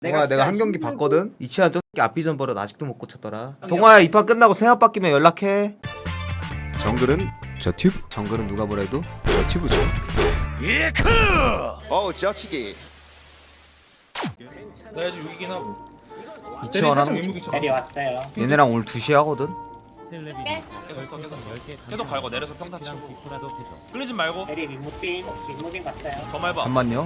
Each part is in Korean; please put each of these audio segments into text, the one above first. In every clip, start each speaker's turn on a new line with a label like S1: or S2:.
S1: 동아야 내가 한 경기 봤거든? 이치한 저 새끼 앞비전 버릇 아직도 못 고쳤더라. 동아야 이 판 끝나고 생각 바뀌면 연락해.
S2: 정글은 저 튜브?
S1: 정글은 누가 뭐래도
S2: 저 튜브죠.
S3: 예크!
S2: 저치기.
S4: 나 아직 6이긴 하고.
S1: 이치환 하는 거
S4: 거
S5: 내려왔어요.
S1: 얘네랑 오늘 2시에 하거든?
S3: 계속 갈고 내려서 평타 치고 끌리지 말고
S5: 내리 윗무빙 갔어요.
S3: 더 말봐.
S1: 잠만요.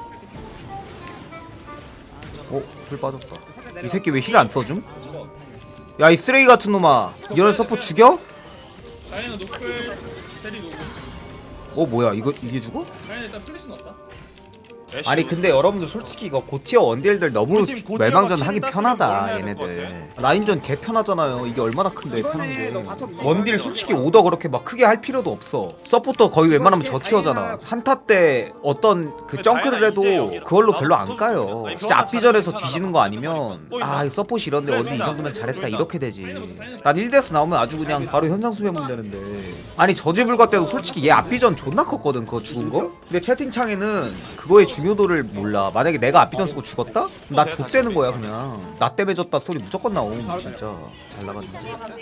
S1: 풀 빠졌다. 이 새끼 왜 힐 안 써줌? 야 이 쓰레기 같은 놈아, 이런 서포 죽여?
S4: 다이나 노플 테리 노고.
S1: 뭐야 이게 죽어?
S4: 다이나 일단 플래시 넣었다.
S3: 애쉬
S1: 아니 근데 여러분들 솔직히 이거 고티어 원딜들 너무
S3: 우리 팀 고티어가
S1: 멜망전 하기
S3: 킬다
S1: 편하다
S3: 쓰면 뭘 해야 될것
S1: 얘네들. 라인전 개 편하잖아요. 이게 얼마나 큰데 편한 게. 원딜 솔직히 오더 그렇게 막 크게 할 필요도 없어. 서포터 거의 웬만하면 저티어잖아. 한타 때 어떤 그 정크를 해도 그걸로 별로 안 까요. 진짜 앞비전에서 뒤지는 거 아니면 이 서폿이 이런데 원딜 이 정도면 잘했다 이렇게 되지. 난 1대스 나오면 아주 그냥 바로 현상 수배면 되는데. 아니 저지불가 때도 솔직히 얘 앞비전 존나 컸거든 그거 죽은 거. 근데 채팅창에는 그거의 중요도를 몰라. 만약에 내가 앞비전 쓰고 죽었다? 나 좆되는 거야 그냥. 나 때문에 졌다 소리 무조건 나옴. 진짜 잘 나갔는데.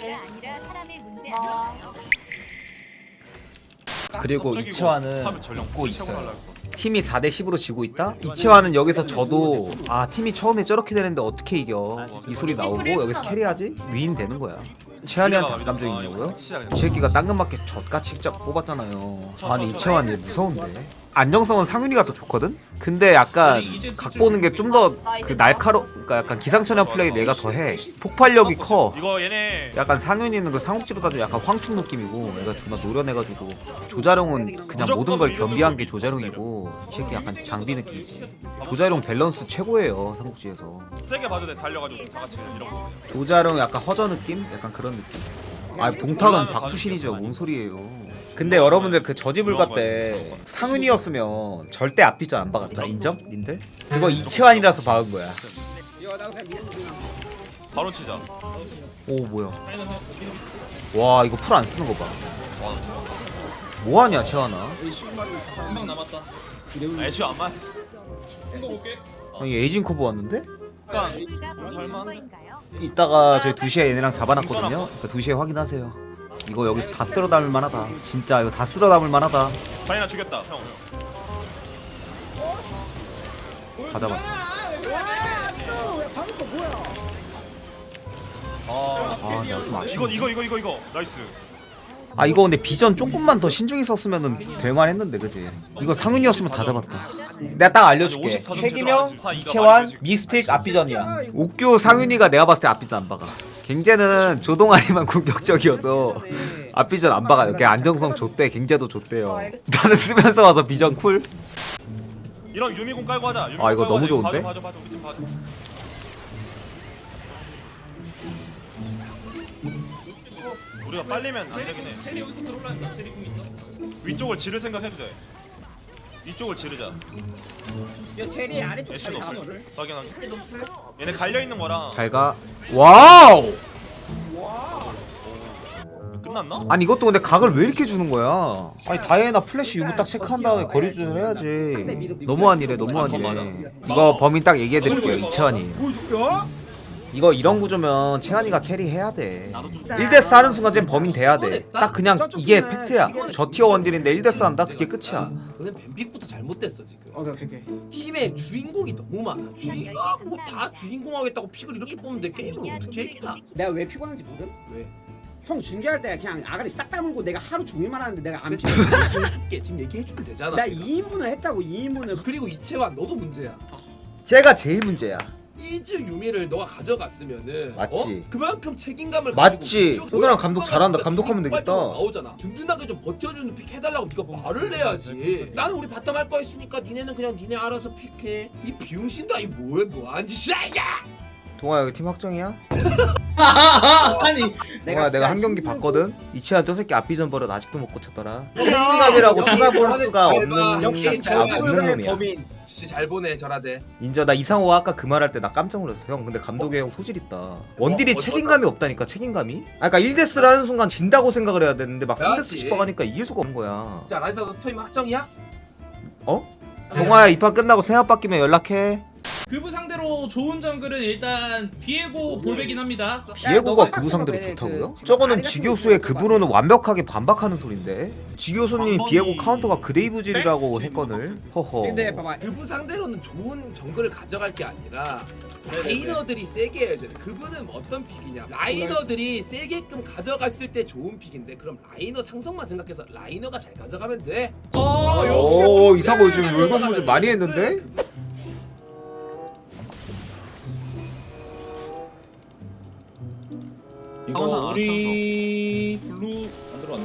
S1: 그리고 이채환은 웃고 있어요. 팀이 4대 10으로 지고 있다? 이채환은 여기서 져도 팀이 처음에 저렇게 되는데 어떻게 이겨? 이 소리 나오고 여기서 캐리하지? 위인 되는 거야. 채환이한테 안 감정이 있냐고요? 이 새끼가 당근마켓 젖같이 진짜 뽑았잖아요. 아니 이채환 얘 무서운데? 안정성은 상윤이가 더 좋거든? 근데 약간 각 보는 게 좀 더 그 그러니까 약간 기상천외한 플레이 내가 더 해. 폭발력이 커.
S3: 이거 얘네
S1: 약간 상윤이는 그 상욱지보다 좀 약간 황충 느낌이고 얘가 존나 노련해가지고 조자룡은 그냥 모든 걸 겸비한 게 조자룡이고 이 새끼 약간 장비 느낌이지. 조자룡 밸런스 최고예요 삼국지에서.
S3: 세게 봐도 돼. 달려가지고 다 같이 이런 거.
S1: 조자룡 약간 허저 느낌? 약간 그런 느낌. 동탁은 박투신이죠. 뭔 소리예요. 근데 여러분들 그 저지불가 때 상윤이었으면 절대 앞비전 안 박았다. 인정? 님들? 그거 이채환이라서 박은 거야.
S3: 바로 치자.
S1: 오 뭐야.
S4: 다이나 사
S1: 와 이거 풀 안 쓰는 거 봐. 뭐하냐 채환아.
S4: 한방 남았다.
S3: 애쉬 안 맞.
S4: 이거 볼게.
S1: 아니 에이징 커브 왔는데?
S3: 약간 설마
S1: 이따가 저희 2시에 얘네랑 잡아놨거든요. 그러니까 2시에 확인하세요. 이거 여기서 다 쓸어 담을 만하다. 진짜 이거 다 쓸어 담을 만하다.
S3: 다이나 죽였다 형.
S1: 다 잡았다. 내가 좀 아쉬워.
S3: 이거 나이스.
S1: 이거 근데 비전 조금만 더 신중히 썼으면은 될만했는데 그지? 이거 상윤이었으면 다 잡았다. 내가 딱 알려줄게. 최기명, 이채환, 미스틱 앞비전이야. 옥규 상윤이가 내가 봤을 때 앞비전 안 박아. 갱제는 조동아리만 공격적이어서 앞비전 안 박아요. 걔 안정성 좋대. 갱제도 좋대요. 나는 쓰면서 와서 비전 쿨.
S3: 이런 유미공 깔고 하자. 유미공
S1: 이거
S3: 깔고
S1: 너무
S3: 하자.
S1: 좋은데?
S3: 봐줘 우리 팀 봐줘. 우리가 빨리면 안 되긴 해.
S4: 테리 여기서 들어올라니까 테리 궁 있어.
S3: 위쪽을 지를 생각해도 돼. 이쪽을 지르자.
S5: 이 체리 아래쪽
S3: 애쉬 노플.
S5: 잡거든.
S3: 확인하게. 얘네 갈려 있는 거랑
S1: 잘 가. 와우!
S3: 끝났나?
S1: 아니 이것도 근데 각을 왜 이렇게 주는 거야? 아니 다이애나 플래시 유무 딱 체크한 다음에 거리 조절 해야지. 너무한 일에 너무한 일에. 이거 범인 딱 얘기해드릴게요. 이채환이에요. 이거 이런 구조면 채환이가 캐리해야 돼. 1대스 하는 순간 쟤 범인 돼야 돼. 딱 그냥 이게 팩트야. 저 티어 원딜인데 1대스 한다? 그게 끝이야.
S6: 너는 뱀픽부터 잘못됐어 지금.
S5: 오케이.
S6: 팀에 주인공이 너무 많아. 뭐다 주인공 하겠다고 픽을 이렇게 뽑는데 게임을 어떻게 이기나?
S5: 내가 왜 피곤한지 모름?
S6: 왜?
S5: 형 중계할 때 그냥 아가리 싹 다물고 내가 하루 종일만 하는데 내가 안 피곤.
S6: 줄게 지금 얘기해주면 되잖아.
S5: 나 2인분을 했다고 2인분을.
S6: 그리고 이채환 너도 문제야.
S1: 쟤가 제일 문제야.
S6: 이즈 유미를 너가 가져갔으면은
S1: 맞지.
S6: 그만큼 책임감을
S1: 맞지.
S6: 가지고
S1: 소드랑 감독 잘한다. 감독하면
S6: 빨리
S1: 되겠다.
S6: 나오잖아. 든든하게 좀 버텨주는 픽 해달라고 네가 말을 내야지. 나는 우리 바텀 할 거 있으니까 니네는 그냥 니네 알아서 픽해. 이 비용신도 아니 뭐한 짓이야 이게.
S1: 동아 여기 팀 확정이야?
S5: 아니
S1: 내가 한 경기 봤거든? 이치한 저 새끼 앞비전 버릇 아직도 못 고쳤더라. 책임감이라고 찾아볼 수가 없는
S6: 역시
S1: 없는 놈이야.
S6: 진짜 잘 보내 저라대.
S1: 인정. 나 이상호가 아까 그 말 할 때 나 깜짝 놀랐어. 형 근데 감독의 형 소질 있다. 원딜이 책임감이 없다니까. 책임감이. 그러니까 1대스를 하는 순간 진다고 생각을 해야 되는데 막 3대스씩 박으니까 이길 수가 없는 거야.
S6: 자 라이사 너 타임 확정이야?
S1: 동아야 이 판 끝나고 생각 바뀌면 연락해.
S4: 그부 상대로 좋은 정글은 일단 비에고 볼베긴 합니다.
S1: 비에고가
S5: 너가
S1: 그부 상대로
S5: 그
S1: 좋다고요?
S5: 지금
S1: 저거는
S5: 아리 같은
S1: 지교수의
S5: 거
S1: 그부로는 완벽하게 반박하는 소린데 지교수님 비에고 카운터가 그레이브질이라고 했거늘 허허
S5: 근데 봐봐
S6: 그분 상대로는 좋은 정글을 가져갈 게 아니라 라이너들이 세게 해야 돼. 그분은 어떤 픽이냐? 라이너들이 세게끔 가져갔을 때 좋은 픽인데 그럼 라이너 상성만 생각해서 라이너가 잘 가져가면 돼.
S1: 오 이상호 요즘 물건부 좀 많이 했는데?
S4: 이거 우리 블루 안 들어왔네.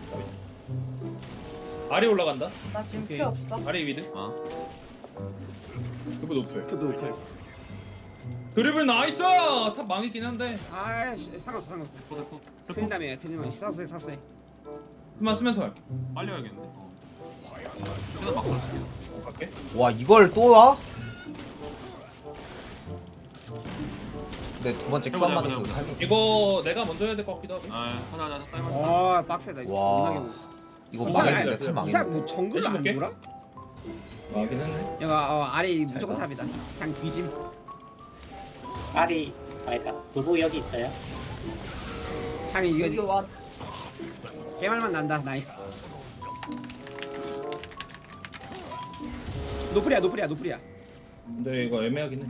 S4: 아래 올라간다.
S7: 나 지금
S4: 오케이.
S7: 피 없어.
S4: 아래 위드. 그부 노플.
S5: 그도 오케이.
S4: 드리블 나이스. 탑 망했긴 한데.
S5: 아이씨 상관없어. 틀린다며 틀리면 사소해.
S4: 그만 쓰면서 할게.
S3: 빨리 와야겠네.
S4: 갈게.
S1: 와 이걸 또 와? 내 두 번째 큐안 맞았어
S4: 이거 내가 먼저 해야 될 것 같기도 하고.
S3: 아, 하자. 빨리
S5: 와 빡세다.
S1: 와 이거 망했는데 탈
S5: 이상
S1: 망했네
S5: 뭐 정글 안
S4: 열심히
S5: 돌아?
S4: 망하긴 했네.
S5: 야 아래 무조건 탑이다. 그냥 뒤짐.
S8: 아리 아니다 도보 여기 있어요.
S5: 그냥
S7: 여기
S5: 이거
S7: 와.
S5: 개말만 난다. 나이스. 노플이야.
S4: 근데 이거 애매하긴 해.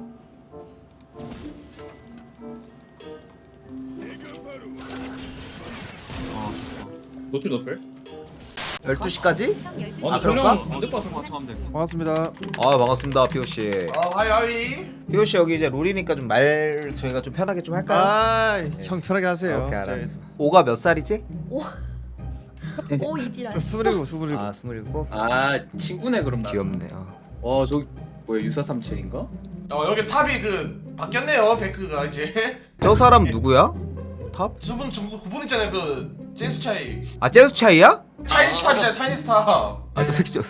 S4: 노틸 노플?
S1: 12시까지?
S4: 아
S1: 그럴까?
S4: 안될 것 같은데.
S2: 반갑습니다.
S1: 아 반갑습니다 피오씨
S3: 하이.
S1: 피오씨 여기 이제 롤이니까 좀 말 저희가 좀 편하게 좀 할까요?
S2: 형 편하게 하세요.
S1: 오케이 알았어 오가 몇 살이지?
S9: 오 이지랄.
S2: 저 27.
S1: 아 27?
S10: 아 친구네 그럼 나.
S1: 귀엽네
S10: 저기 뭐야 유사삼칠인가?
S3: 여기 탑이 그 바뀌었네요. 베크가 이제.
S1: 저 사람 누구야? 탑?
S3: 저분 그분 있잖아요. 그 제인수 차이.
S1: 아 제수 차이야?
S3: 차이니스 탑 있잖아요. 차이니스 탑.
S1: 아저 새끼 저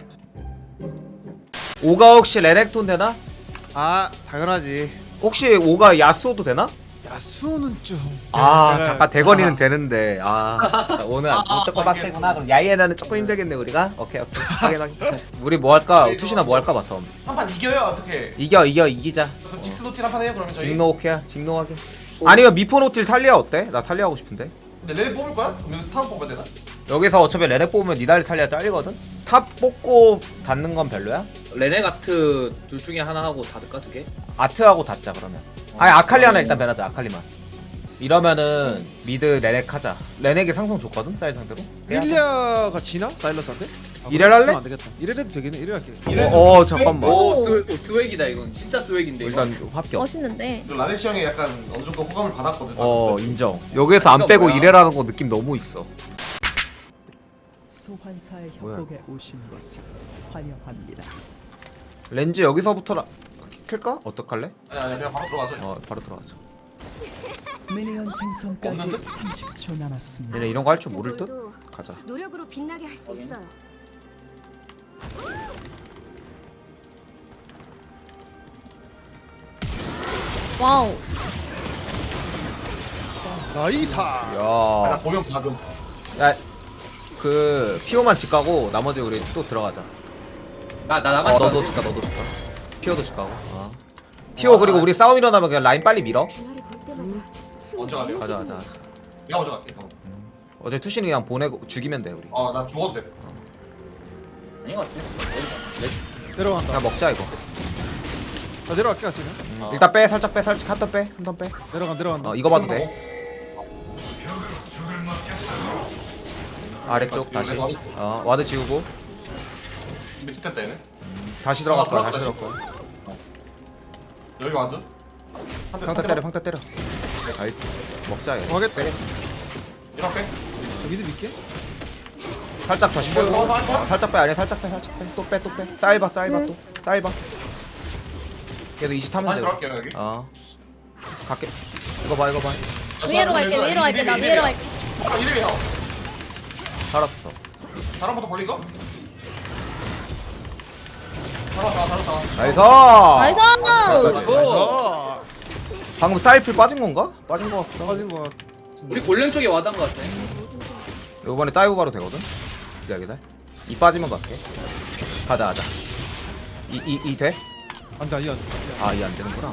S1: 오가 혹시 레넥톤 되나?
S2: 아 당연하지.
S1: 혹시 오가 야스오도 되나?
S2: 야수는 좀.
S1: 아
S2: 내가-
S1: 잠깐 대건이는 되는데 오늘 조금
S3: 아,
S1: 빡세구나 그럼 야이에나는 조금 힘들겠네 우리가 오케이 확인 우리 뭐 할까? 투시나 뭐 할까 바텀
S3: 한판 이겨요 어떻게?
S1: 이기자
S3: 그럼 직스노틸 한판 해요 그러면 저희.
S1: 직노 오케이야 직노하게 아니면 미포노틸 탈리아 어때? 나 탈리아 하고 싶은데
S3: 근데 레드 뽑을 거야? 그럼 여기서 탑 뽑아야 되나?
S1: 여기서 어차피 레넥 뽑으면 니달리 탈리아 잘리거든? 탑 뽑고 닿는 건 별로야?
S10: 레네가트 둘 중에 하나 하고 닫을까 두 개?
S1: 아트하고 닿자 그러면 아니 아칼리 하나 일단 배나자 아칼리만 이러면은 미드 레넥 하자 레넥이 상성 좋거든 쌀 상대로
S2: 릴리아가 지나? 사일러스한테?
S1: 이렐 할래?
S2: 안 되겠다. 이래도 되겠네. 이래 할게.
S1: 잠깐만
S10: 스웩이다 이건 진짜 스웩인데 이거.
S1: 일단 합격
S9: 멋있는데.
S3: 라네시 형이 약간 어느 정도 호감을 받았거든.
S1: 인정 여기에서 안 빼고
S10: 뭐야?
S1: 이래라는 거 느낌 너무 있어
S11: 소환사의
S1: 뭐야?
S11: 협곡에 오신 것을 환영합니다.
S1: 렌즈 여기서부터 킬까? 어떡할래?
S3: 아니 그냥 바로 들어가죠.
S1: 바로 들어가자
S11: 미니언 생성까지
S3: 없는데?
S11: 30초 남았습니다.
S1: 얘네 이런 거 할 줄 모를 듯? 가자
S9: 노력으로 빛나게 할 수 있어요. 와우.
S2: 나이사.
S1: 야,
S3: 보면 받음.
S1: 그 피오만 집 가고 나머지 우리 또 들어가자
S10: 나 나만
S1: 너도 집 가 너도 집 가 피오도 집 가고 피오 그리고 우리 싸움 일어나면 그냥 라인 빨리 밀어
S9: 그날을 볼 때마다
S3: 먼저 갈래요?
S1: 가자
S3: 내가 먼저 갈게.
S1: 어제 투신이 그냥 보내고 죽이면 돼 우리
S3: 나 죽어도 돼.
S10: 아닌 것 같아.
S2: 내려간다.
S1: 그냥 먹자 이거
S2: 나 내려갈게 지금.
S1: 일단 빼 살짝 한턴 빼
S2: 내려간다.
S1: 이거 봐도 돼 아래쪽 다시 와드 지우고
S3: 밑에 탔다 얘네.
S1: 다시 들어갈 거야 다시 들어갈 거야
S3: 여기 와드.
S1: 평타 때려 나이스 먹자 얘
S2: 가겠다.
S3: 이랑 빼.
S2: 미드 믿게.
S1: 살짝 다시 빼고 살짝 빼 아니야 살짝 빼 또 빼 쌓이봐 또 쌓이봐 걔도 20 타면
S3: 다시
S1: 돼
S3: 들어갈게요 여기.
S1: 갈게 이거 봐
S9: 위로 갈게. 나 위로 갈게.
S3: 이름이 형.
S1: 살았어
S3: 사람부터 벌리고. 살았다.
S1: 나이스
S9: 나이스.
S1: 방금 사이플 빠진 건가? 빠진 거 같다
S2: 빠진 거 같.
S10: 우리 골렘 쪽에 와단 것 같아.
S1: 이번에 다이브 가도 되거든? 기다려 이 빠지면 갈게 가자 이 돼?
S2: 안돼 이안
S1: 아 이게 안 되는구나.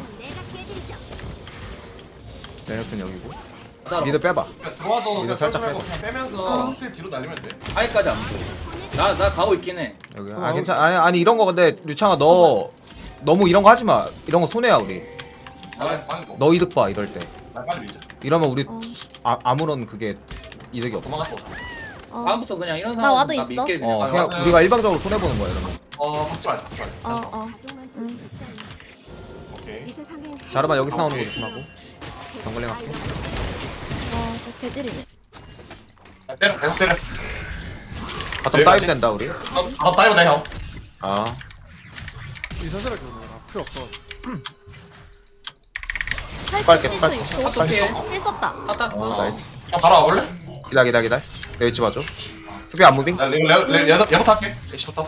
S1: 레넥톤 여기고.
S10: 따로.
S1: 미드 빼봐.
S3: 그냥 들어와도
S1: 이거
S3: 그냥
S1: 살짝
S3: 살짝
S1: 빼봐.
S3: 그냥 빼면서 스틸 뒤로 날리면 돼.
S10: 아예까지 안 보여. 나 가고 있긴 해.
S1: 여기. 아 괜찮아. 아니 이런 거 근데 류창아 너 너무 이런 거 하지 마. 이런 거 손해야 우리.
S3: 빨리 고.
S1: 너 이득 봐 이럴 때.
S3: 빨리 밀자.
S1: 이러면 우리
S9: 어.
S1: 아무런 그게 이득이 없어.
S3: 도망갔어.
S9: 어.
S10: 다음부터 그냥 이런
S9: 나
S10: 사람
S9: 와도
S10: 나
S9: 있어.
S10: 밀게 그냥.
S1: 그냥 우리가 일방적으로 손해 보는 거야 이러면.
S3: 박지 말자. 박지 말자.
S9: 어. 응.
S3: 오케이.
S1: 자르만 여기 나오는 거 조심하고. 정글링 할게.
S9: 저 개질이네.
S3: 때려. 계속 때려.
S1: 바텀 다이브 된다 우리.
S3: 다이브 돼 형.
S1: 아.
S2: 이 선수를 그러는 필요 없어.
S1: 빨게,
S9: 87초
S1: 빨게.
S9: 6초.
S10: 어떻게?
S9: 힐 썼다.
S10: 다 땄어.
S1: 나이스.
S3: 형 바로 와볼래?
S1: 기다. 내 위치 봐줘. 수비 안 무빙.
S3: 나 얘부터 할게. 애쉬부터.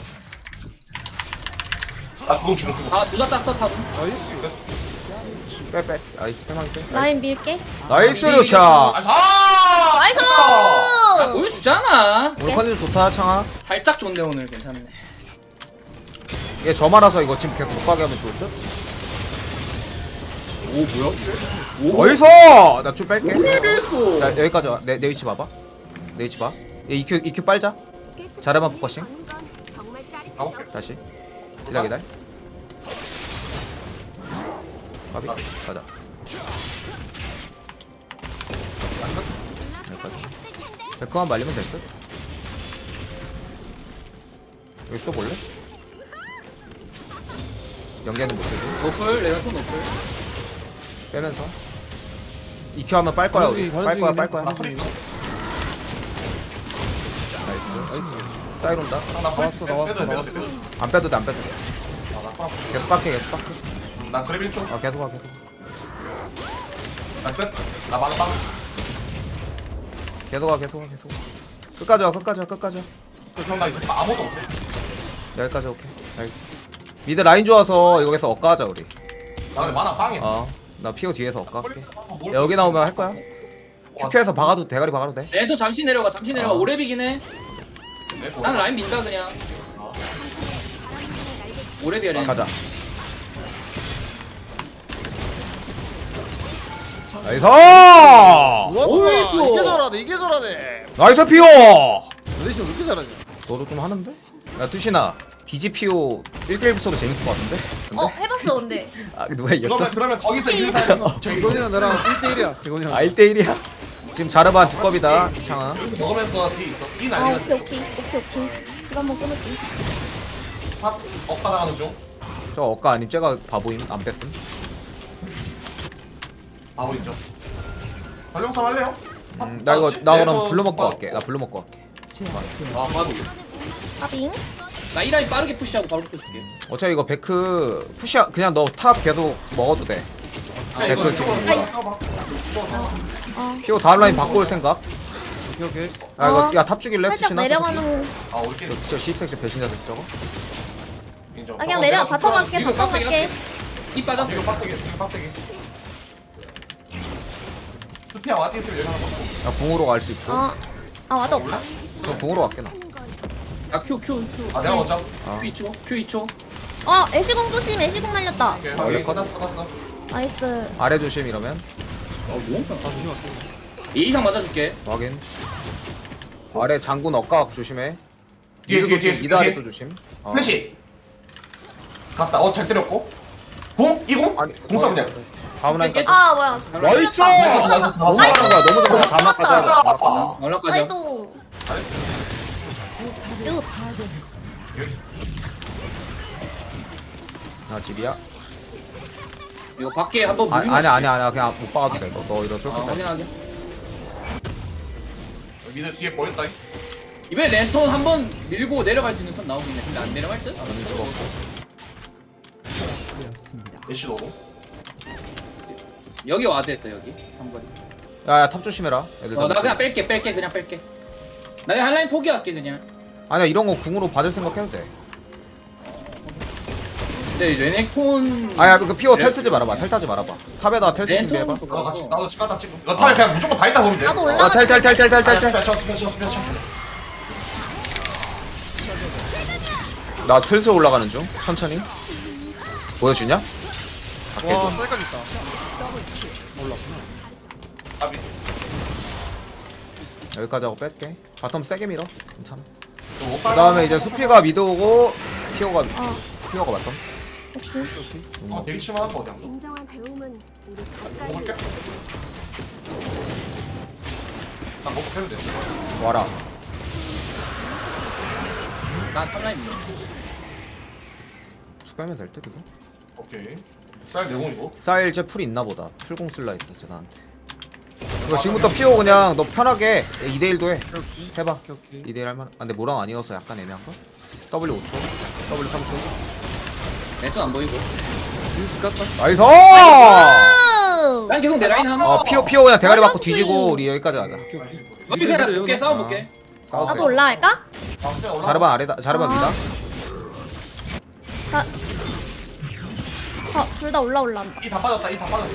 S3: 나 죽음.
S10: 다둘다 땄어 탑은.
S2: 나이스.
S1: 빼. 나이스 빼망이 빼.
S9: 라인 밀게.
S1: 나이스 류창.
S3: 아!
S9: 나이스!
S10: 보여주잖아.
S1: 오늘 컨디션 좋다 창아.
S10: 살짝 좋네 오늘 괜찮네.
S1: 얘 저 말아서 이거 지금 계속 못 가게 하면 좋을 듯?
S10: 오 뭐야?
S1: 어디서? 나 좀 뺄게.
S10: 했어.
S1: 나 여기까지 와. 내 위치 봐봐. 내 위치 봐. 얘 EQ 빨자. 자르만 포커싱.
S3: 가볼게.
S1: 다시. 기다. 가비. 가자. 여기까지. 백커만 말리면 될 듯. 여기 또 볼래? 연계는 못해도
S10: 노플 내가 또 노플.
S1: 빼면서 EQ 하면 빨 거야 우리. 빨 거야.
S3: 프리.
S1: 나이스. 사이로 온다.
S2: 나왔어.
S1: 안 빼도 돼. 계속 빡해.
S3: 나 그래 1초.
S1: 아 계속 와.
S3: 나 끝. 나 막아 빵.
S1: 계속 와. 끝까지 와.
S3: 형 나 이거 아무것도 못해.
S1: 여기까지 오케이. 나이스. 미드 라인 좋아서 여기서 엇가 하자 우리.
S3: 나 근데 만화 빵이야.
S1: 나 피오 뒤에서 엇가 할게. 야, 여기 나오면 할 거야. QQ에서 박아도 대가리 박아도 돼.
S10: 얘도 잠시 내려가. 오래 비긴 해.
S3: 네,
S10: 난 라인 민다 그냥. 오래 비야 래.
S1: 가자. 나이스!
S2: 우와 이게 잘하네.
S1: 나이스 피오!
S2: 레이시 왜 이렇게 잘하냐?
S1: 너도 좀 하는데? 야 투시나 디지피오 1대1 붙여도 재밌을 것 같은데?
S9: 해봤어 근데.
S1: 아 누가 이겼어?
S3: 그러면 거기서 인사하는 거. 저기
S2: 대건이랑 나랑 1대1이야. 대건이랑.
S1: 아 1대1이야? 지금 자르반 두껍이다 창아.
S3: 먹으면서 뒤 있어. 뒤
S9: 아
S3: 날리면
S9: 오케이. 이거 한번 끊을게.
S3: 탑 엇바당하는 중.
S1: 저 엇가 아님 쟤가 바보임 안 뺐음.
S3: 바보 있죠. 전령삼 할래요?
S1: 나 이거 나 그럼 블루 먹고 갈게. 나 블루 먹고 갈게.
S10: 아 봐도.
S9: 아빙.
S10: 나 이 라인 빠르게 푸시하고 바로 풀어줄게.
S1: 어차피 이거 베크 푸시 그냥 너 탑 계속 먹어도 돼. 베크 지금 피오 다음 라인 바꿔 올 생각.
S2: 오케이.
S1: 아 이거 야탑 죽일래?
S9: 살짝
S1: 투시나?
S9: 내려가는.
S3: 아 올게.
S1: 저 시입색시 배신자 저거.
S3: 인정.
S9: 아 그냥 내려. 바텀 갈게.
S10: 이거
S9: 바텀 갈게.
S10: 이 빠졌어.
S3: 이거 빡세게. 투피야 와티 있으면 여기 하나 먹고.
S1: 야 궁으로 갈 수 있고.
S9: 아 와도 없다.
S1: 그럼 궁으로 갈게 나.
S10: 야 Q.
S3: 아 내가 먼저.
S10: Q 2초.
S9: 애쉬공 조심. 애쉬공 날렸다.
S3: 오케이.
S1: 원래
S3: 여기 끝났어.
S9: 나이스.
S1: 아래 조심 이러면.
S10: 너무 편하다. 이 이상 맞아줄게.
S1: 확인. 아래 장군 엇가 조심해.
S3: 뒤에,
S1: 미드도
S3: 뒤에,
S1: 조심, 미드
S3: 뒤에.
S1: 아래도 조심.
S3: 플래시. 갔다. 잘 때렸고. 공? 이공?
S1: 아니
S3: 공 써 그냥.
S1: 다음 라인까지.
S9: 아 뭐야.
S1: 나이스!
S3: 나이스.
S1: 너무 잘한 거야. 너무 잘한 거야. 자막 가자.
S10: 연락까지.
S9: 나이스. 슛.
S1: 나 집이야.
S10: 이거 밖에 한번
S1: 아니야. 그냥 못 박아도 돼. 너 이러 쏠 거야.
S10: 확인하게.
S3: 미드 뒤에 보였다.
S10: 이번에 랜턴 한번 밀고 내려갈 수 있는 턴 나오긴 해. 근데 안 내려갈 듯?
S11: 되었습니다.
S3: 애쉬 너도.
S10: 여기 와드 했어 여기 한 번에.
S1: 야야 탑 조심해라. 애들
S10: 나
S1: 다
S10: 그냥 뺄게 그냥 뺄게. 나 그냥 한 라인 포기할게 그냥.
S1: 아니야 이런 거 궁으로 받을 생각해도 돼.
S10: 근데 레넥톤.
S1: 아야 그 피오 텔 쓰지 말아봐. 텔 타지 말아봐. 탑에다 텔 쓰
S10: 랜턴
S1: 준비해봐.
S3: 나도 집 갔다 찍고. 이거 탈 그냥 무조건 다 있다 보면 돼.
S9: 나도 올라가.
S1: 텔.
S3: 쳐.
S1: 나 슬슬 올라가는 중. 천천히. 보여주냐?
S2: 와 쌀까지 있다. 몰랐구나.
S3: 아비.
S1: 여기까지 하고 뺄게. 바텀 세게 밀어. 괜찮아.
S3: 그
S1: 그 다음에 이제 수피가 미드 오고 피오가
S9: 어.
S1: 바텀.
S9: 오케이.
S3: 되게 칠만한 거 그냥.
S9: 진정한 배움은 우리 가까이
S3: 먹을게. 나 먹고 해도 돼.
S1: 와라.
S10: 난 탑라인 밀어.
S1: 빼면 될 듯 이거.
S3: 오케이. 쌀 내공이고.
S1: 쌀 이제 풀 있나 보다. 풀공 쓸라 했다 쟤 나한테. 이거 지금부터 피오 그냥 너 편하게 2대1도 해. 해봐.
S2: 오케이.
S1: 2대1 할만. 아 근데 모랑 아니어서 약간 애매한가? W 5초. W 3초.
S10: 렌턴 안 보이고.
S2: 민스 깠다.
S1: 나이스!
S10: 난 계속 내 라인 하나.
S1: 피오 그냥 대가리 맞고 뒤지고 우리 여기까지 가자.
S2: 오케이 오케이.
S10: 앞에 제가 볼게 싸움 볼게.
S1: 싸워도
S9: 나도
S1: 돼.
S9: 올라갈까?
S1: 자르반 아래다. 자르반 위다.
S9: 둘 다 올라온다.
S3: 이 다 빠졌다. 이 다 빠졌어.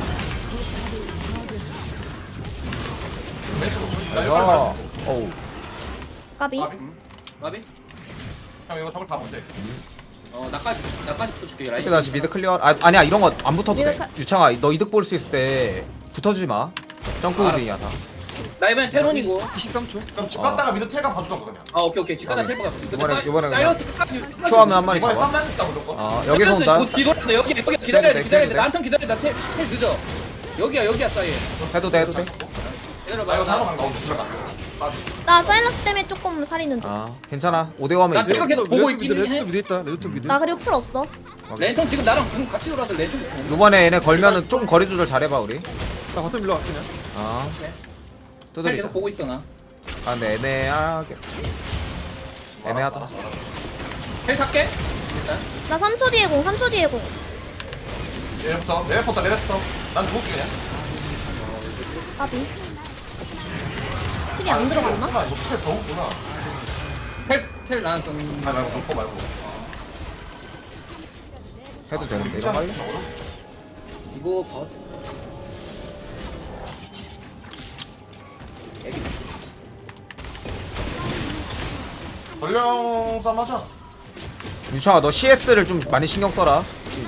S1: 야. 어우.
S9: 까비.
S10: 마비?
S3: 형 이거 저걸 다 못해.
S10: 나까지 붙어줄게 라인.
S1: 이렇게 다시 미드 클리어. 아니야 이런 거 안 붙어도
S9: 미드
S1: 돼.
S9: 칼-
S1: 유창아 너 이득 볼 수 있을 때 붙어주지 마. 점프 우딩이야 다.
S10: 나 이번엔 테론이고.
S2: 23초.
S3: 그럼 집 갔다가 미드 텔가 봐주던 거 그냥.
S10: 아 오케이 집가다 텔 박았어.
S1: 이번에
S10: 사이러스 끝까지.
S1: 큐하면 한 마리
S3: 이번에
S1: 잡아.
S3: 3만 있다 무조건.
S1: 여기서 온다.
S10: 뒤돌았어 여기 기다려야 돼.
S1: 기다려야 돼.
S10: 나한턴 기다려. 나텔 늦어. 여기야 사이.
S1: 해도 돼.
S3: 나
S10: 기다려봐.
S3: 이거 잘못 간거 없어. 집에 가.
S9: 나 사일러스 때문에 조금 살이는 중.
S1: 괜찮아. 5대5 하면
S10: 나
S1: 이겨.
S10: 내가 계속 보고 있긴 해.
S2: 레드도 미드 있다. 레드도 미드.
S9: 나 그리고 풀 없어.
S10: 렌턴 지금 나랑 지금 같이 놀아서 렌턴.
S1: 이번에 얘네 걸면은 조금 거리 조절 잘해봐 우리.
S2: 나 바텀 밀러 그냥.
S10: 텔
S1: 두드리자.
S10: 계속 보고 있어 나.
S1: 아 근데 애매하게. 애매하다.
S10: 텔 탈게.
S9: 나 3초 뒤에 공, 3초 뒤에 공.
S3: 내려부터. 난 죽을게 그냥.
S9: 까비. 킬이 안 들어갔나?
S3: 이거 텔 더웠구나.
S10: 텔 나한테.
S3: 말고 그거 말고.
S1: 해도 되는데 이거 빨리.
S10: 이거 봐.
S3: 전령 싸움 하자.
S1: 유창아 너 CS를 좀 많이 신경 써라.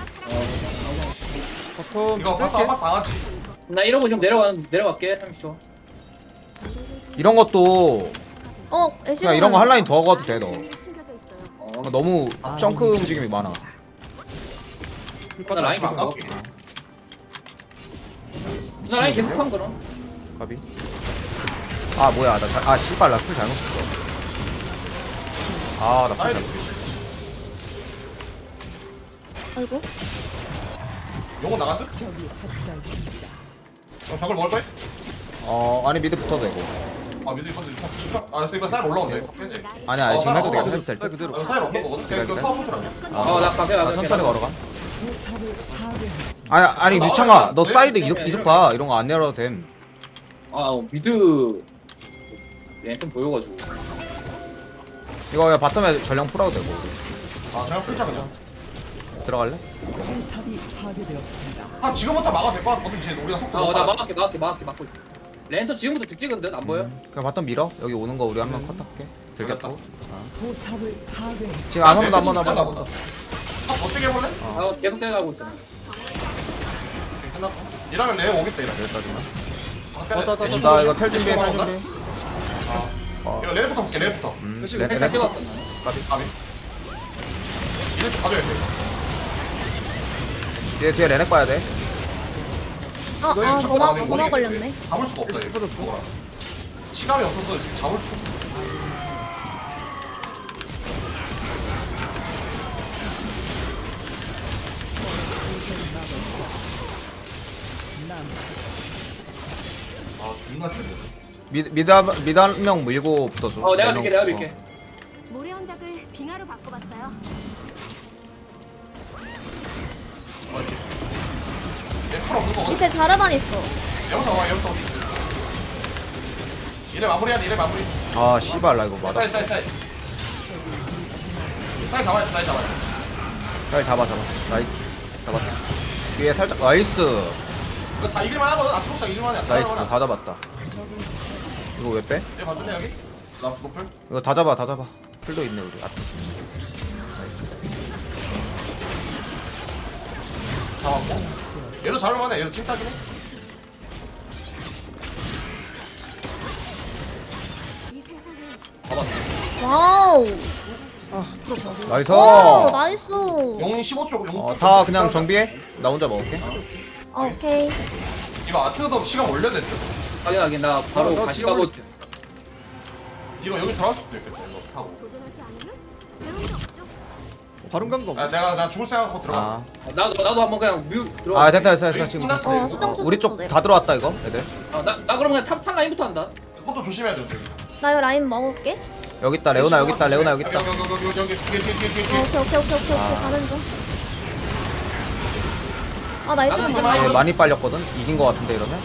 S2: 바텀
S3: 이거
S2: 뺄게.
S3: 바탕 당하지.
S10: 나 이러고 지금 내려갈게 30초.
S1: 이런 것도
S9: 애쉬
S1: 그냥 이런 거 한 라인 더 가도 돼 너.
S9: 숨겨져 있어요.
S1: 너무 점크 움직임이 많아.
S10: 나 라인 계속
S3: 안
S10: 먹을게. 나 라인 계속 한 거는.
S1: 가비. 아 뭐야 씨발 나풀 잘못 썼어. 나풀
S3: 사이드.
S1: 잘못 썼어.
S9: 아이고.
S3: 요거 나갔어? 벽을 먹을 거야?
S1: 아니 미드 붙어도 되고.
S3: 아 미드 이번 그래서 이번 쌀 올라오네.
S1: 아니야 지금 해도 돼. 해도 될
S2: 쌀
S1: 듯.
S2: 그대로.
S3: 쌀 없는 거거든. 그 타워 초초랑.
S10: 나 가게
S1: 천천히 걸어가.
S11: 포탑을 파괴했습니다.
S1: 아니 유창아 너 사이드 이득 봐. 이런 거 안 내려도 됨.
S10: 미드 렌턴 보여가지고.
S1: 이거 그냥 바텀에 전령 풀어도 되고.
S3: 아 그냥 풀자 그냥.
S1: 들어갈래?
S11: 포탑이 파괴되었습니다.
S3: 지금부터 막아도 될 것 같거든. 이제 우리가 속도
S10: 나 막을게 막고 있어. 렌턴 지금부터 득 찍은 듯 안 보여?
S1: 그냥 바텀 밀어. 여기 오는 거 우리 한 명 컷할게. 들겠다.
S11: 포탑을 파괴했습니다.
S1: 지금 안 온다 한 번 한 번 한 번.
S3: 어떻게 해볼래?
S10: 나 계속 때려가고 있잖아.
S3: 끝났어. 이러면 레오 오겠다 이러면.
S1: 여기까지만.
S2: 왔다.
S1: 나 이거 텔 준비해 텔 준비.
S3: 이거 레오부터 볼게 레오부터.
S2: 지금
S1: 네,
S10: 텔 찍었던
S3: 가비. 이제 좀 가져야 돼.
S1: 뒤에 레넥 봐야 돼.
S9: 도마 걸렸네.
S3: 잡을 수가 없어.
S2: 계속 빠졌어.
S3: 이거. 시간이 없어서 지금 잡을 수가 없어. 존나 세네.
S1: 미드 한 명 밀고 붙어줘.
S10: 내가
S1: 네
S10: 밀게
S1: 명.
S10: 내가 밀게.
S9: 모래 언덕을 빙하로 바꿔봤어요.
S3: 얘 풀어 그거 거거든.
S9: 밑에 자르반 있어.
S3: 여기서 와 여기서. 이래 마무리야 이래 마무리.
S1: 씨발 나 이거 맞아.
S3: 쌀 잡아야 돼. 쌀 잡아야 돼.
S1: 잘 잡아. 나이스. 잡았다. 뒤에 살짝 나이스.
S3: 이거 다 이길만 하거든. 앞으로 다 이길만 해.
S1: 나이스. 다 잡았다. 이거 왜 빼?
S3: 얘 봐줄래 여기? 나 노플.
S1: 이거 다 잡아. 풀도 있네 우리.
S3: 잡았고. 얘도 잡을만해. 얘도 킬타긴 해.
S9: 이 세상에
S7: 와우.
S2: 아 풀었어.
S1: 나이스.
S7: 오 나이스.
S3: 용이 15초. 용
S1: 다 그냥 정비해. 나 혼자 먹을게.
S7: 오케이.
S3: 이거 아트도 시간 올려야 될 듯.
S10: 확인하긴 나 바로
S2: 나
S10: 다시
S2: 지금
S10: 가고
S2: 올릴게.
S3: 이거 여기 들어갈 수도 있겠다. 이거 타고.
S9: 도전하지 않으면 배울 수 없죠.
S2: 바른 간거 없네.
S3: 아, 나 죽을 생각하고 들어가.
S1: 아,
S10: 나도 한번 그냥 뮤 들어가.
S1: 아 됐어 지금 됐어.
S7: 어 수정 쳤어.
S1: 우리 쪽 다 들어왔다 이거 애들.
S10: 나 그럼 그냥 탑 라인부터 한다.
S3: 그것도 조심해야 돼. 저기.
S7: 나 이거 라인 먹을게.
S1: 여기 있다 레오나 여기 있다 레오나 여기 있다.
S3: 여기 뒤에.
S7: 오케이. 가는 중. 아 나 이거
S10: 나는
S7: 많아.
S1: 얘 많이 빨렸거든. 이긴 거 같은데 이러면.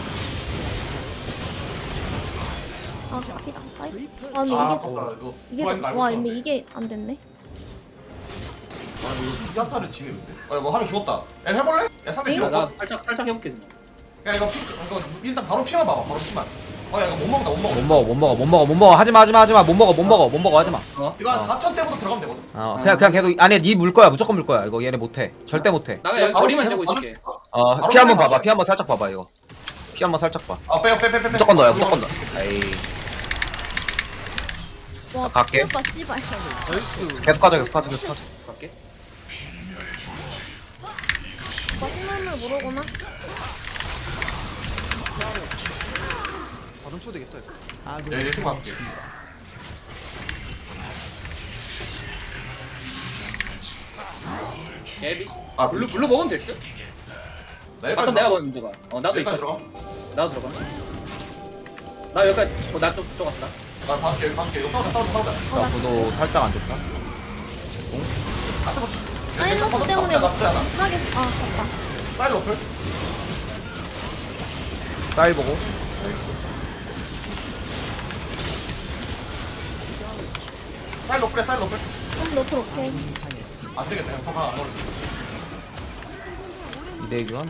S7: 아 피다. 아 근데
S3: 아,
S7: 이게
S3: 아깝다. 이거
S7: 이게
S3: 도와인 거 알고
S7: 와
S3: 있었는데.
S7: 근데 이게 안 됐네.
S3: 아, 이거 야타를 지네 근데. 아, 이거 하면 죽었다. 야, 해볼래? 야, 상대
S7: 잉?
S3: 필요
S10: 나
S3: 없어.
S10: 살짝 해볼게.
S3: 야, 이거 일단 바로 피만 봐봐. 바로 피만. 야, 이거 못 먹는다.
S1: 못 먹어. 하지마 못 먹어 하지마.
S3: 이거 한 4천 대부터 들어가면 되거든.
S1: 그냥 계속 아니 니 물 거야 무조건 물 거야 이거 얘네 못해 절대 못해.
S10: 나 여기 거리만 재고
S3: 바로
S10: 있을게.
S3: 바로
S1: 피 한번
S3: 빼면
S1: 봐봐
S3: 돼.
S1: 피 한번 살짝 봐봐 이거. 피 한번 살짝 봐.
S3: 아, 빼.
S1: 무조건 넣어요 무조건 넣어. 에이
S7: 와
S1: 갈게.
S7: 오빠 씨발.
S2: 나이스.
S1: 계속 가자.
S10: 갈게.
S7: 오빠 신문을 모르구나.
S2: 바른 쳐 되겠다 이거.
S11: 아군이
S3: 야, 얘 지금 할게.
S10: 개비.
S3: 아,
S10: 블루 먹으면 될 듯.
S3: 나 여기까지
S10: 아까 내가
S3: 들어가.
S10: 먼저 가. 나도
S3: 여기까지
S10: 있다.
S3: 들어가.
S10: 나도 들어가. 나 여기까지. 나좀 쫓았다.
S3: 나 봐줄게. 이거 싸우자.
S1: 나 구도 살짝 안 좋다.
S7: 사일러스 때문에
S3: 나쁘지 않아.
S7: 못하게. 아 갔다.
S3: 사이드 어플.
S1: 쌀 보고.
S3: 사이드 어플에 사이드 어플.
S7: 그럼 너프 오케이.
S3: 안 되겠다. 그냥 더가 안 어울려.
S1: 2대 교환.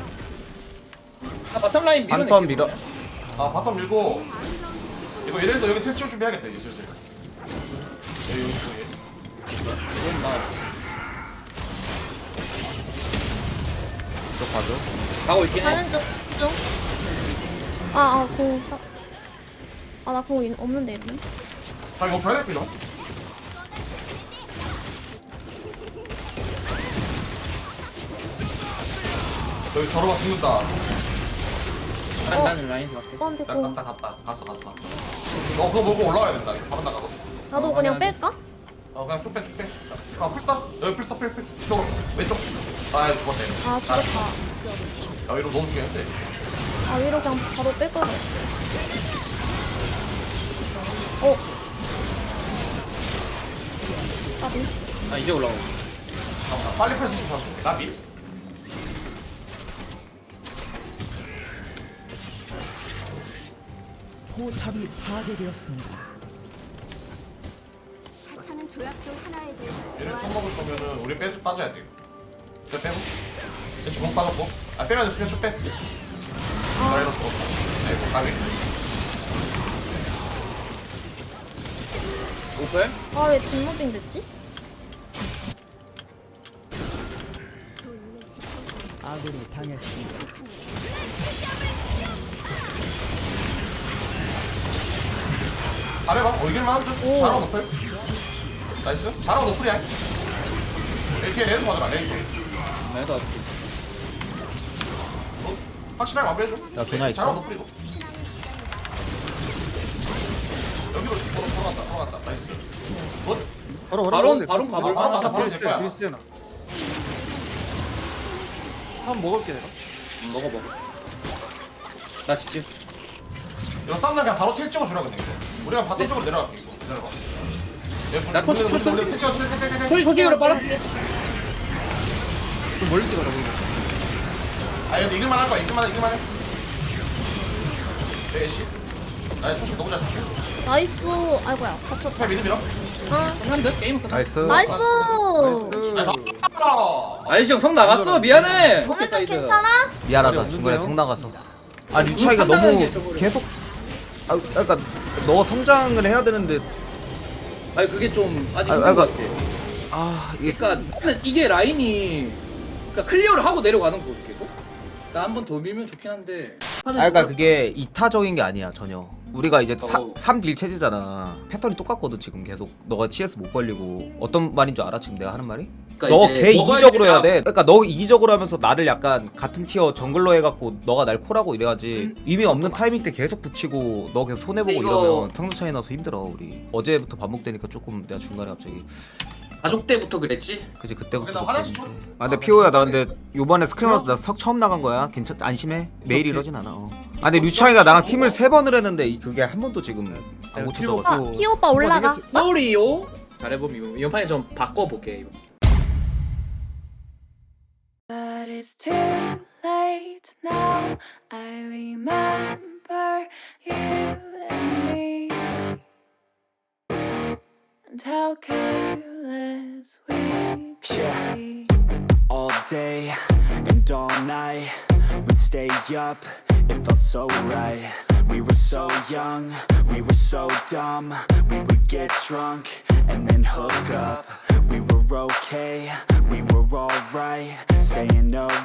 S10: 나 바텀 라인 밀어.
S1: 한턴 밀어.
S3: 아, 바텀 밀고. 이거 얘네도 여기 텔 치울 준비해야겠다. 이제 슬슬. 여기.
S1: 쪽 봐줘.
S10: 가고 있긴 해.
S7: 가는 중. 공. 아나 공 없는데 이러면.
S3: 자, 이거 줘야 될게 이거. 여기 저러다 죽는다.
S10: 나는 라인 갈게.
S7: 오빠한테 공.
S3: 갔다. 갔어. 너 그거 보고 올라와야 된다. 이거 바로 나가거든.
S7: 나도 그냥 뺄까?
S3: 그냥 쭉 빼. 아, 풀다. 여기 풀. 이쪽으로. 왼쪽. 아, 죽었네.
S7: 아 죽었다.
S3: 야, 이거 너무 중요한데.
S7: 아 위로 그냥 바로 뺄 거야. 까비.
S10: 아 이제 올라가.
S3: 잠깐만. 빨리 패스 좀 샀어. 나 미.
S11: 포탑이 파괴되었습니다.
S9: 하찮은 조약도 하나에도
S3: 얘를 처먹을 거면은 우리 빼도 따져야 돼. 이거 빼고. 얘 주먹 빠졌고. 아, 빼면 돼. 그냥 쭉 빼. 나 이거 죽었다. 아이고, 까비.
S10: 오플?
S7: 아왜 뒷무빙 됐지?
S11: 아군이 당했습니다.
S3: 잘해봐. 이길만 하면 돼. 잘하고 높을. 나이스. 잘하고 높을이야. 이렇게 레드 받으라. 레드.
S10: 나도
S3: 확실하게 마무리해줘.
S1: 야, 전화 있어?
S3: 잘하고 높을이고. 여기로 돌아간다. 나이스. 굿.
S2: 바로
S10: 바로
S2: 바로
S10: 가볼까?
S2: 드리스나. 한 먹을게 내가.
S10: 먹어. 나 직진.
S3: 이거 쌈나 그냥 바로 텔 찍어주라 근데 이거. 우리가 바텀 쪽으로 내려갈게 이거. 기다려봐.
S10: 나 토치.
S3: 토치.
S10: 소식으로 빨아.
S2: 좀 멀리 찍어라 보이네.
S3: 아 근데 이길만 할 거야. 이길만 해. 애쉬. 나 초식 너무 잘 쳤어.
S7: 나이스. 아이고야 겹쳤다.
S3: 잘 믿음 밀어.
S7: 아
S10: 한대 게임 끝.
S1: 나이스.
S7: 나이스.
S10: 아이씨 형성 나갔어. 미안해.
S7: 오면서 괜찮아?
S1: 미안하다
S2: 없는데요?
S1: 중간에 성 나가서. 아 류차이가
S10: 판단하는 게
S1: 너무
S10: 좀
S1: 계속. 아 그러니까 너 성장을 해야 되는데.
S10: 아니 그게 좀 아직
S1: 아,
S10: 힘든 것
S1: 그러니까-
S10: 같아.
S1: 아 이게
S10: 그러니까 나는 이게 라인이 그러니까 클리어를 하고 내려가는 거 계속. 나 한 번 더 밀면 좋긴 한데.
S1: 그러니까 그게 이타적인 게 아니야 전혀. 우리가 이제
S10: 어.
S1: 3딜 체제잖아. 패턴이 똑같거든 지금 계속. 너가 CS 못 걸리고 어떤 말인 줄 알아 지금 내가 하는 말이?
S10: 그러니까
S1: 너
S10: 이제
S1: 개
S10: 먹어야
S1: 이기적으로 해야
S10: 되니까
S1: 돼. 그러니까 너 이기적으로 하면서 나를 약간 같은 티어 정글로 해갖고 너가 날 콜하고 이래야지. 의미 없는 타이밍 때 계속 붙이고 너 계속 손해보고
S10: 이거-
S1: 이러면 상대 차이 나서 힘들어 우리. 어제부터 반복되니까 조금 내가 중간에 갑자기
S10: 가족 때부터 그랬지?
S1: 그지 그때부터.
S3: 그래, 나 화장실 좀-
S1: 그랬는데. 아 근데 피오야 나 근데 요번에 스크림하면서 나 석 처음 나간 거야. 괜찮 안심해. 매일 이러진 않아. 아 근데 류창이가 나랑 팀을 3번을 했는데 그게 한 번도 지금 안 고쳐져가지고.
S7: 아 피오 오빠 올라가.
S10: 쏘리요. 잘해보면 이번 판에 좀 바꿔볼게. 이거.
S9: But it's too late now. I remember you and me, and how careless we could
S11: Yeah.
S9: be.
S11: All day and all night, we'd stay up, it felt so right. We were so young, we were so dumb. We would get drunk and then hook up. We were okay, we were alright, staying up